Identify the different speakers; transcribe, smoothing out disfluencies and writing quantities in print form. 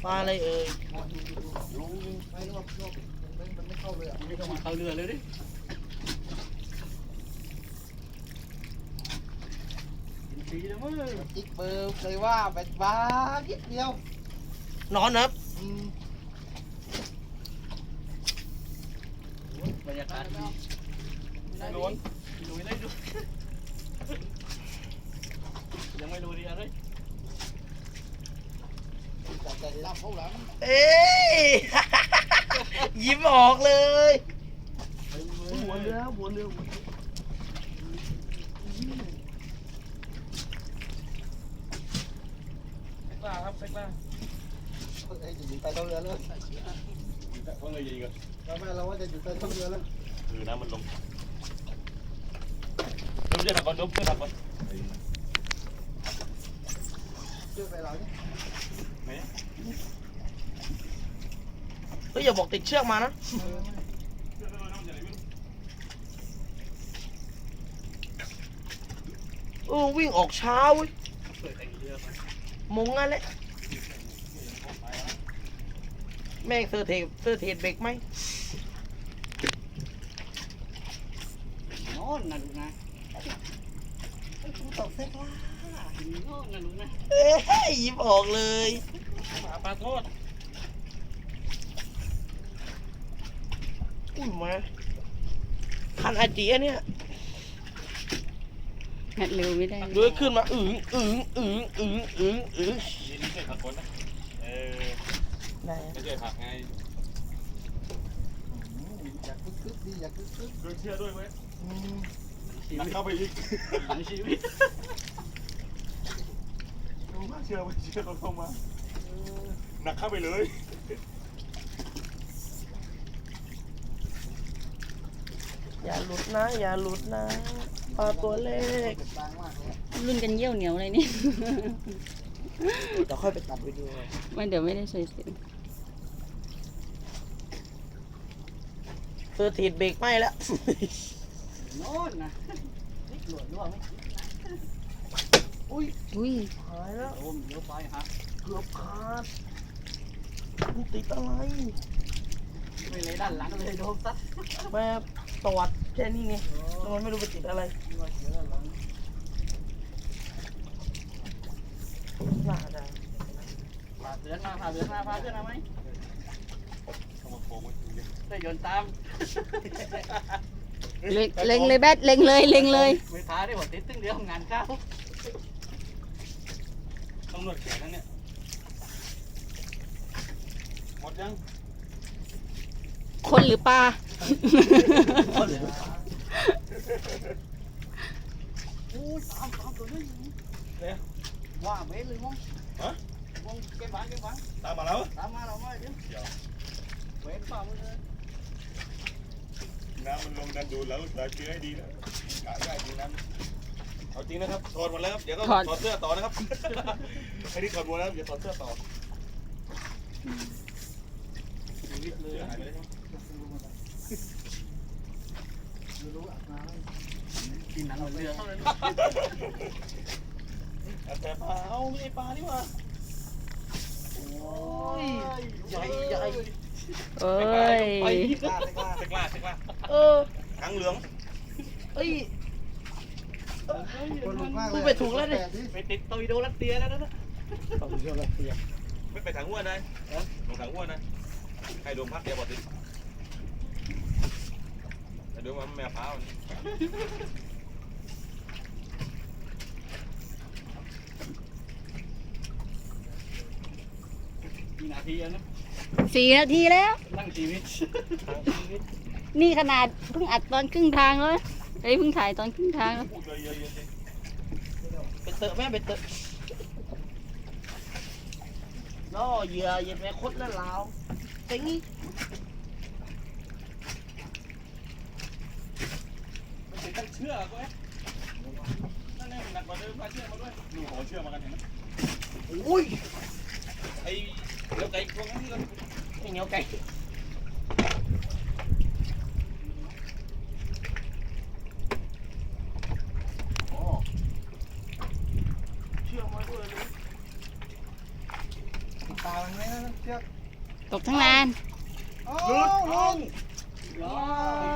Speaker 1: ปลาอะไรเอ่ย
Speaker 2: ลุงไม่รอบมันไม่เข้าเลยอ่ะ
Speaker 3: ไม่ต้องมาเข้าเรือเลยดิกินฟรีแล้วมั้ง
Speaker 2: จิ๊กเบอร์เลยว่าแบบบ้านิดเดียวน
Speaker 1: อนครับ
Speaker 3: บรรยากาศดีไม่โดนดูได้ดูยังไม่รู้ดีอะไร
Speaker 2: แต่รับเขาหลัง
Speaker 1: เอ้ย ยิ้มออกเลยหัวเรือหัวเรือ
Speaker 3: เซ็กล่าครับเซ็กล่า
Speaker 2: จะอยู่ใต้ท้องเรือแล้ว
Speaker 3: ว่าไงยิงกัน
Speaker 2: เราว่าจะอยู่ใต้ท้องเรือแล้ว
Speaker 3: คือน้ำมันลงดูจะถักก่อนดูจะถักก่อน
Speaker 2: เชื่อไปเราเนี่ย
Speaker 3: ไหน
Speaker 1: เฮ้ยอย่าบอกติดเชือกมานะวิ่งออกเช้าเว้ยมงงั้นแหละแม่งเซอร์เทเบรกไหม
Speaker 3: โน่นนะลูกนะ
Speaker 2: กูตกเซ็กล่า
Speaker 3: โน่นนะลูกนะ
Speaker 1: เอ้ยยิ้มออกเลย
Speaker 3: หมาปลาโทษ
Speaker 1: อุ้ยมาคันอาเจียเนี่ย
Speaker 4: งัดเร็วไม่ได้
Speaker 1: เลื้อยขึ้นมาอึ๋ง
Speaker 3: ยินดีช่วยถักคนนะ
Speaker 1: ได้
Speaker 3: ไม่ช่วยถักไง
Speaker 2: อยากคึกดีอยากคึก
Speaker 3: ด้วยเชื่อด้วยไหมนักเข้าไปอีกหลังชีวิตมาเชื่อไม่เชื่อเราเข้ามาหนักเข้าไปเลย
Speaker 1: อย่าหลุดนะอย่าหลุดนะปลาตัวเล็ก
Speaker 2: บางมากเลย
Speaker 4: รุ่นกันเยี่ยวเหนียวอะไรนี่
Speaker 1: เดี๋ยวค่อยไปตัดวิดีโอ
Speaker 4: ไม่เดี๋ยวไม่ได้ใส่เสียง
Speaker 1: เซอร์เทเบรกไหมแล้ว
Speaker 3: โน่นนะนี่หลวดร่วงไหม
Speaker 1: อุ้ย
Speaker 4: อุ้ย
Speaker 1: หายแล้ว
Speaker 3: โอ้มเดี๋ยวไปฮะ
Speaker 1: เกือบขาดมันติดอะไร
Speaker 3: ไม่เลยด้านหลังเลยโดนซัด
Speaker 1: แม่ตวัดแค่นี้ไงแล้วมันไม่รู้ไปติดอะไรน่าจะ
Speaker 3: พาเสือมาพาเสือมาพาเสือมาไหมได้โยนตาม
Speaker 4: เล็งเลยแบทเล็งเลยเล็งเลย
Speaker 3: ไม่พาได้หมดติดตึ้งเดียวงานเข้าต้องนวดแขนนั่นเนี่ยหมดยัง
Speaker 4: คนหรือปลา
Speaker 2: ตามตัวนี้ว่าเว้เลยมั้งวงเก็บหวาน
Speaker 3: ตามมาแล้ว
Speaker 2: ตามมาเราไม่เดี๋ยวเว้นป่ามันเลย
Speaker 3: น้ำมันลงดันดูแล้วเราเชื่อให้ดีนะกะได้จริงน้ำเอาจริงนะครับถอดหมดแล้วครับเดี๋ยวก็ถอดเสื้อต่อนะครับไอ้นี่ถอดหมดแล้วเดี๋ยวถอดเสื้อต่อเลยหายไปเลยครับ
Speaker 2: รู้อาบน้
Speaker 3: กินหนังเหมือนเรือเท่านั้นแต่ปลาเอาไม่ใช่ปลานี่หว่า
Speaker 1: โอ้ยใหญ่
Speaker 4: เอ้ย
Speaker 3: ไปกล้าทั้งเหลือง
Speaker 1: เอ้ย
Speaker 2: ำคนลุกมากเลย
Speaker 1: พูดไปถูกแล้วดิ
Speaker 3: ไปติดตอร์ปิโดรัสเซียแล้วนะ
Speaker 2: ต้องเชื่อรัสเซีย
Speaker 3: ไม่ไปถังอ้วนนะลงถังอ้วนนะให้ดวงพักเดียวพอติดแต่ดวงมันแมวพร้าวกี่นาทีแล้วนะ
Speaker 4: 4 นาทีแล้ว
Speaker 3: นั่งชีวิต
Speaker 4: นี่ขนาดเพิ่งอัดตอนครึ่งทางแล้วเฮ้ยเพิ่งถ่ายตอนครึ่งทางแล้ว
Speaker 3: พูดเยอะๆ
Speaker 1: ไปเตอะแม่ไปเตอะล่อเหยื่อเหยียดแม่คดแล้วลาวเต็งนี่
Speaker 3: มันเป็นตั้งเชื่อก็ไหมนั่นนี่หนักกว่าเดิมพาเชื่อมาด้วยดูขอเชื่อมากันเห็นไหม
Speaker 1: โอ้ย
Speaker 3: ไอ้เดี๋ยวไก่พวกนั้นที่เรา
Speaker 1: ไม่เหนียวไก่เชื่อมาด้วยเลย
Speaker 2: ตามันไหมนะเชือก
Speaker 4: ตกทั้งนาน
Speaker 2: โอ้ลง